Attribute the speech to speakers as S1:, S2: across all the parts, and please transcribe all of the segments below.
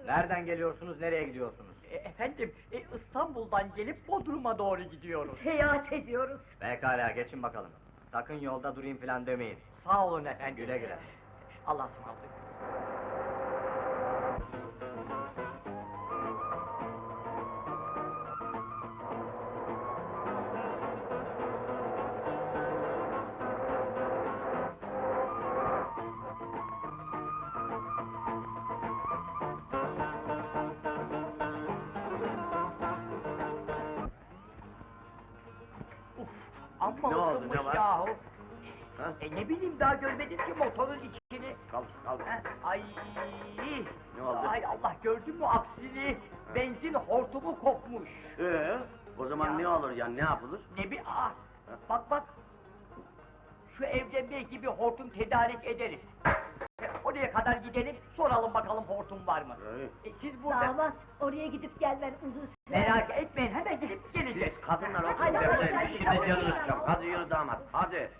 S1: Nereden geliyorsunuz, nereye gidiyorsunuz?
S2: Efendim, İstanbul'dan gelip Bodrum'a doğru gidiyoruz.
S3: Seyahat ediyoruz.
S1: Pekala, geçin bakalım. Sakın yolda durayım falan demeyin.
S2: Sağ olun efendim.
S1: Güle güle.
S2: Allah'a ısmarladık. Amma
S4: Ne oldu,
S2: ısınmış
S4: ne var?
S2: yahu.
S4: Ha?
S2: Ne bileyim, daha görmedim ki motorun içini.
S4: Kalk.
S2: Ay!
S4: Ne oldu?
S2: Ay Allah, gördün mü aksini? Benzin hortumu kopmuş.
S4: O zaman
S2: Ya.
S4: ne olur ya, ne yapılır?
S2: Ne bir bak. Şu evde belki bir hortum tedarik ederiz. Oraya kadar gidelim, soralım bakalım hortum var mı? Siz burada...
S3: Damat, oraya gidip gelmen uzun sürer.
S2: Merak etmeyin, hemen gidip geleceğiz.
S4: Siz kadınlar oturun
S3: Hadi,
S4: devleyin,
S3: hadi,
S4: işinde
S3: hadi,
S4: canınız
S3: hadi.
S4: çok. Hadi yürü damat, hadi.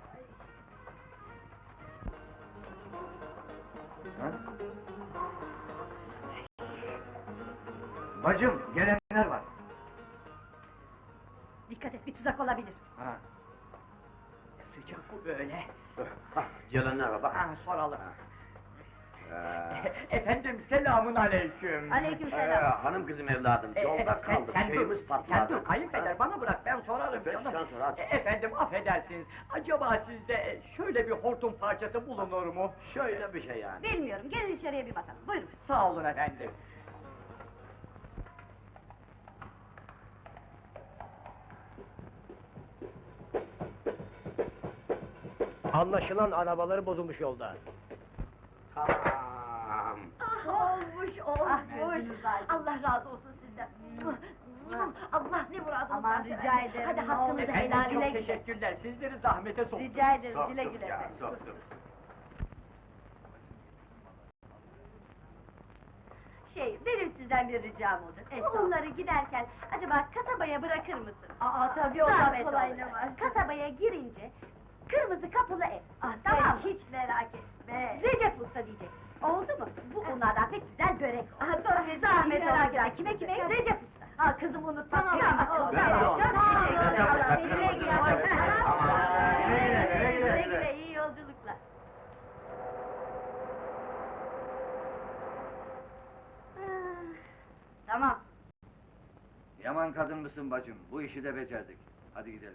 S1: Bacım, gelenler var.
S3: Dikkat et, bir tuzak olabilir.
S1: Ha.
S2: Sıcak bu böyle.
S4: Gelenler var bak.
S2: Soralım. Efendim, selamun aleyküm.
S3: Aleykümselam.
S4: Hanım kızım evladım, yolda kaldık, şeyimiz
S2: Sen
S4: patladı.
S2: dur, kayınpeder bana bırak, ben sorarım
S4: Sen
S2: canım.
S4: sor, hadi.
S2: Efendim, affedersiniz, acaba sizde şöyle bir hortum parçası bulunur mu?
S4: Şöyle bir şey yani.
S3: Bilmiyorum, gelin içeriye bir bakalım. Buyurun.
S2: Sağ olun efendim.
S1: Anlaşılan arabaları bozulmuş yolda.
S4: Tamam.
S3: Olmuş. Allah razı olsun sizden. Allah ne muradınız
S5: Aman
S3: varsa
S5: rica
S3: versin.
S5: ederim,
S3: Hadi
S5: ne
S3: hakkınızı
S5: olur.
S2: Efendim,
S3: helal
S2: çok
S3: güle güle.
S2: teşekkürler, sizleri zahmete soktum.
S5: Rica ederim, güle
S4: Soktuk
S5: güle
S4: ya,
S5: efendim.
S4: soktuk.
S5: Benim sizden bir ricam olacak. Onları giderken acaba kasabaya bırakır mısın?
S3: Tabii
S5: Zahmet
S3: olmaz, kolay
S5: olur.
S3: ne var?
S5: Kasabaya girince kırmızı kapılı ev.
S3: Tamam.
S5: Tamam mı?
S3: Hiç merak etme.
S5: Recep Usta diyecek. Oldu mu? Bu bunlardan pek güzel börek.
S3: Tabii,
S5: Zahmet
S3: merak
S5: olacak.
S3: etme.
S5: Kime? Recep Usta.
S3: Kızım unutma.
S5: Tamam.
S3: Tamam.
S4: Ben de onu.
S5: Çok teşekkür ederim.
S4: Recep Usta,
S5: Güle güle.
S4: Recep Usta. Aman.
S5: Güle güle. İyi yolculuklar.
S3: Tamam.
S6: Yaman kadın mısın bacım? Bu işi de becerdik. Hadi gidelim.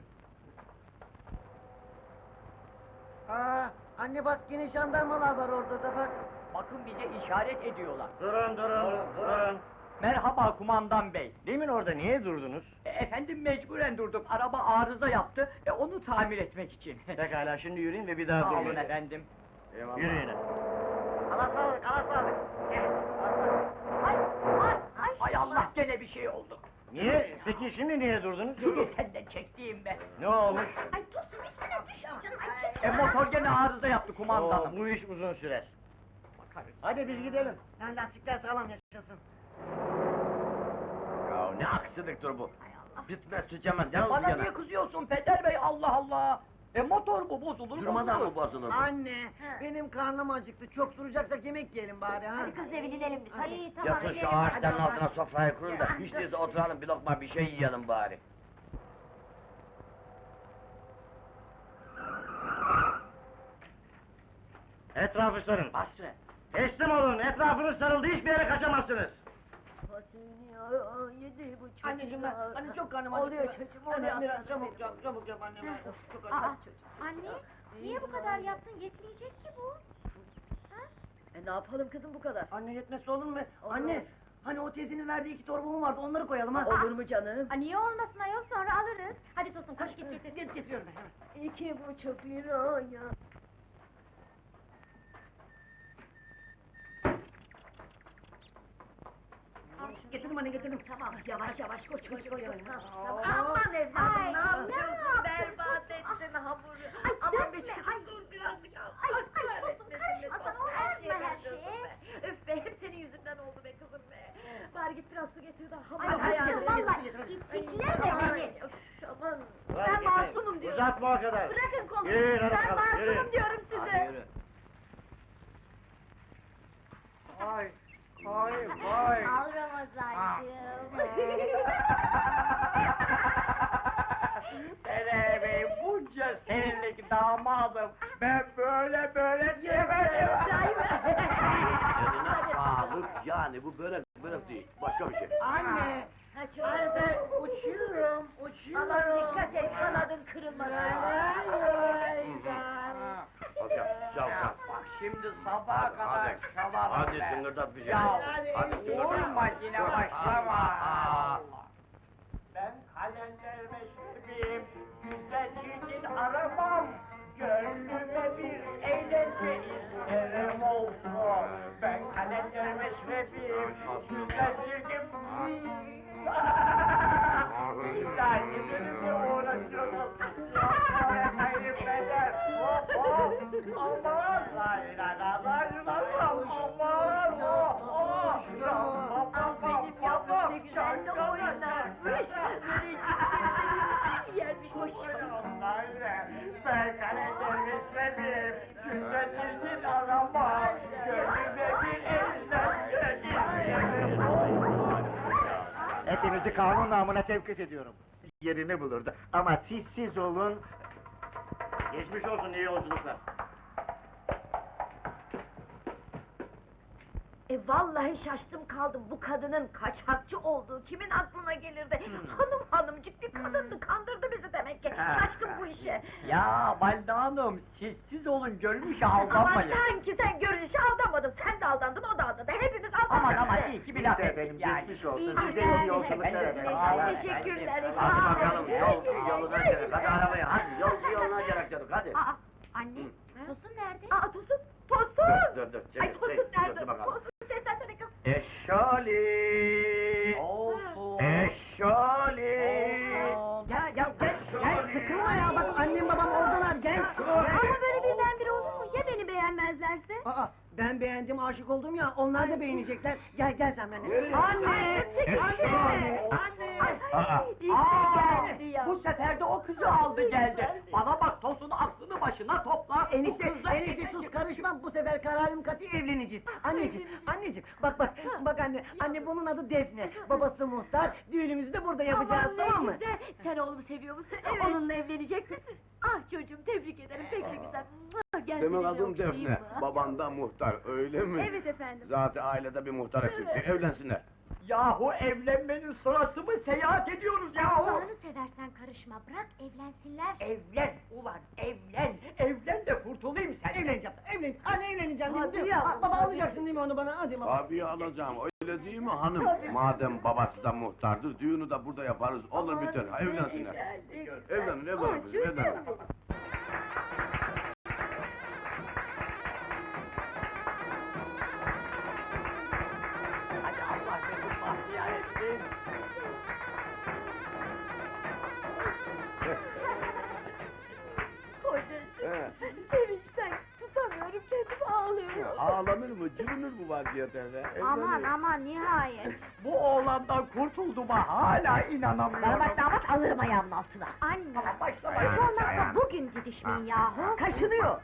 S7: Anne bak yine jandarmalar var orada da bak.
S2: Bakın, bize işaret ediyorlar.
S4: Durun.
S2: Merhaba kumandan bey.
S1: Demin orada niye durdunuz?
S2: Efendim, mecburen durduk, araba arıza yaptı, onu tamir etmek için.
S1: Pekala, şimdi yürüyün ve bir daha
S2: Sağ olun
S1: durmayın.
S2: efendim.
S1: Yürüyün.
S7: Allah sağlık.
S2: Ay Allah, gene bir şey oldu.
S1: Niye? Peki şimdi niye durdunuz?
S2: Gene senden çektiğim be.
S1: Ne olmuş?
S5: Ay Tosun üstüne düş canım. Ay çekil.
S2: Motor gene arıza yaptı kumandanım.
S1: Bu iş uzun sürer.
S2: Bakarız.
S1: Hadi biz gidelim.
S7: Lan lastikler sağlam yaşasın.
S4: Ya ne aksiliktir bu? Bitmez tükenmez, yalnız
S2: Bana
S4: yana.
S2: niye kızıyorsun Peder bey, Allah Allah? Motor bu, bozulur
S4: Durmadan
S2: bozulur.
S4: mı bozulur bu?
S7: Anne, benim karnım acıktı. Çok duracaksak yemek yiyelim bari ha.
S5: Hadi kız evine inelim biz. Hadi.
S4: Yatın şu ağaçların altına sofrayı kurun da hiç değilse oturalım, bir lokma bir şey yiyelim bari.
S1: Etrafı sarın.
S2: Basri.
S1: Teslim olun, etrafınız sarıldı, hiçbir yere kaçamazsınız.
S3: Yedi bu çocuk.
S7: Anneciğim ben, anne çok karnım acıktı.
S3: Oluyor çocuğum,
S7: Anne
S3: oluyor.
S7: biraz çabuk yap anne. Çok
S5: Aa,
S7: acıktım.
S5: anne, niye bu kadar yaptın? Yetmeyecek ki bu.
S3: Ne yapalım kızım bu kadar?
S7: Anne yetmesi olur mu? Anne, hani o teyzenin verdiği 2 torbamı vardı, onları koyalım ha.
S3: Olur mu canım?
S5: Niye olmasın ayol, sonra alırız. Hadi Tosun, koş git getir.
S7: Getiriyorum ben hemen.
S3: 2,5 lira ya.
S7: Getirdim anne, getirdim.
S3: Tamam, yavaş yavaş koş koş koş.
S7: Tamam.
S3: Aman evladım,
S5: Ay,
S3: ne yapıyorsun?
S5: yaptın?
S3: Berbat ettin hamuru.
S5: Ay,
S3: Aman
S5: dökme,
S3: be
S5: ay.
S3: dur birazcık al.
S5: Ay, Tosun, karışma sana, olmaz her şeye.
S3: Öf be, hep senin yüzünden oldu be kızım be. Bari git biraz su getir de hamur.
S5: Ay, hayatım, vallahi itikleme beni.
S3: Aman.
S5: Ben masumum diyorum.
S1: Uzatma o kadar.
S5: Bırakın kolumu.
S1: Yürüyün, hadi
S5: Ben
S1: bakalım,
S5: masumum
S1: yürüyün.
S5: diyorum size.
S4: Hadi yürü.
S2: Ay, Vay vay.
S3: Al Ramazancığım.
S2: Sene Bey, bunca senelik damadım. Ben böyle yemedim.
S4: Eline sağlık, yani bu börek değil, başka bir şey.
S7: Anne.
S3: Kaçırdım.
S7: Uçuyorum.
S3: Aman dikkat et, kanadın kırılmasın.
S4: Hocam, çal.
S2: Bak şimdi sabaha kadar
S4: Hadi,
S2: çalarım
S4: hadi
S2: ben.
S4: tıngırdat bir şey.
S2: Ya,
S4: Hadi
S2: vurma yine başlama.
S4: Aa.
S2: Ben kalender meşrebiyim, güzel çirkin aramam. Gönlüme bir eğlence isterim olsun. Ben kalender meşrebiyim, güzel çirkin... İlla giderimle uğraşıyoruz. Yapmaya kaybeder. Hop hop. Aman layla la layla la. Aman hop hop.
S3: Ah benim yavrum ne güzel de oynarmış. Yermiş hoşuma.
S2: Ben kalender meşrebiyim, güzel çirkin aramam. Gönlüme bir eğlence isterim olsun.
S8: Hepinizi kanun namına tevkif ediyorum. Yerini bulurdu. Ama siz olun. Geçmiş olsun, iyi yolculuklar.
S3: Vallahi şaştım kaldım, bu kadının kaçakçı olduğu kimin aklına gelirdi? Hanımcık bir kadındı, kandırdı bizi demek ki. Şaştım bu işe.
S2: Ya Valide Hanım, sessiz olun, görmüşe
S3: Ama
S2: aldanmayın.
S3: sanki sen görünüşe aldanmadın, sen de aldandın, o da aldandı, hepimiz aldandık.
S2: Aman iyi ki bir laf
S8: Neyse
S2: ettik
S8: efendim,
S2: yani.
S8: geçmiş olsun.
S3: İyi
S8: Size
S3: günler,
S8: iyi yolculuklar
S2: efendim.
S8: efendim.
S3: Teşekkürler.
S4: Hadi bakalım, yoluna gerek, hadi arabaya, hadi yoluna gerek dedik, hadi.
S3: Aa, anne, Tosun nerede? Tosun!
S4: Dur,
S3: Ay Tosun nerede?
S4: dur bakalım.
S3: Tosun seslensene kız.
S8: Eşşali!
S2: Olsun.
S8: Eşşali!
S7: Gel sıkılma ya bak annem babam oradalar gel.
S3: Ama böyle birdenbire olur mu? Ya beni beğenmezlerse?
S7: Aa, ben beğendim aşık oldum ya onlar da beğenecekler. Gel sen benimle.
S3: Anne!
S7: Anne!
S3: İşte geldi ya.
S2: Bu sefer de o kızı aldı geldi. Bana bak Tosun, aklını başına topla. Bu
S7: Enişte
S2: kızla
S7: sus karışma bu sefer kararım katı evleneceğiz. Anneciğim bak anne bunun adı Defne. Babası muhtar, düğünümüzü de burada yapacağız
S3: Aman ne
S7: tamam mı?
S3: güzel. Sen oğlumu seviyor musun? Onunla evlenecek misin? Ah çocuğum tebrik ederim pek de güzel. Gel
S9: Demek
S3: seninle
S9: adın
S3: okşayayım
S9: Defne,
S3: mı?
S9: baban da muhtar, öyle mi?
S3: Evet efendim.
S9: Zaten ailede bir muhtar eksikti, evlensinler.
S2: Yahu evlenmenin sırası mı? Seyahat ediyoruz yahu.
S3: Allah'ını seversen karışma, bırak evlensinler.
S2: Evlen ulan, evlen. Evlen de kurtulayım sen.
S7: Evleneceğim. Anne evleneceğim
S3: Hadi
S7: değil mi?
S3: ya.
S7: Baba alacaksın değil mi onu bana? Hadi baba.
S9: Tabii alacağım, öyle değil mi hanım? Madem babası da muhtardır, düğünü de burada yaparız, olur biter, ha, evlensinler. Evlenin kızım, evlenin.
S2: Hadi Allah seni bahtiyar etsin.
S3: Kocacığım, sevinçten tutamıyorum kendimi ağlıyorum.
S9: Ağlanır mı, cırınır bu vaziyet öyle?
S3: Aman nihayet.
S2: Bu oğlandan kurtulduğuma hala inanamıyorum.
S3: Bana bak damat alırım ayağımın altına. Anne,
S2: Tamam, başlama.
S3: hiç olmazsa bugün didişmeyin yahu.
S7: Kaşınıyor.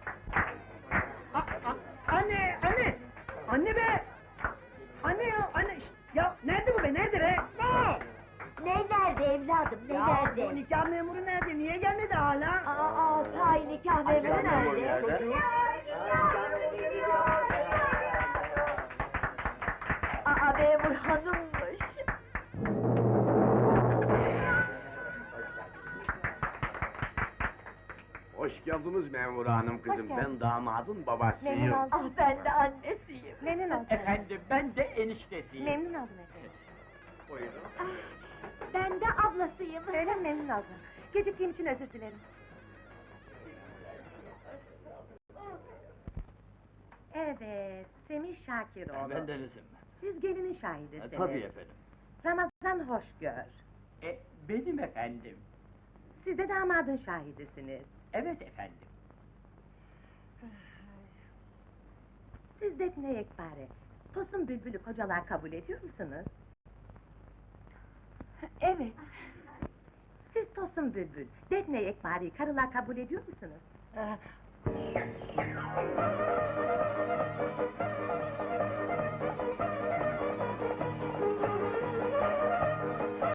S7: Anne! Anne be! Anne ya! Şşt! Ya nerede bu be? Nerede be?
S3: Ne nerede evladım, ne
S7: Ya
S3: nerede?
S7: bu nikah memuru nerede? Niye gelmedi hala?
S3: Aa, sahi nikah memuru
S9: memuru
S3: nerede?
S9: nerede?
S3: Aa, memur hanımmış.
S9: Hoş geldiniz memur hanım kızım, ben damadın babasıyım.
S3: Ah, ben de annesiyim.
S5: Memnun oldum.
S2: Efendim, ben de eniştesiyim.
S5: Memnun oldum efendim.
S9: Buyurun.
S3: Ben de ablasıyım.
S5: Öyle mi? Memnun oldum. Geciktiğim için özür dilerim. Evet, Semih Şakiroğlu.
S2: Bendenizim.
S5: Siz gelinin şahidisiniz.
S2: Tabii efendim.
S5: Ramazan Hoşgör.
S2: Benim efendim.
S5: Siz de damadın şahidisiniz.
S2: Evet efendim.
S5: Siz Defne Yekpare, Tosun Bülbül'ü kocalar kabul ediyor musunuz? Evet. Siz Tosun Bülbül, Defne Yekpare'yi karılar kabul ediyor musunuz?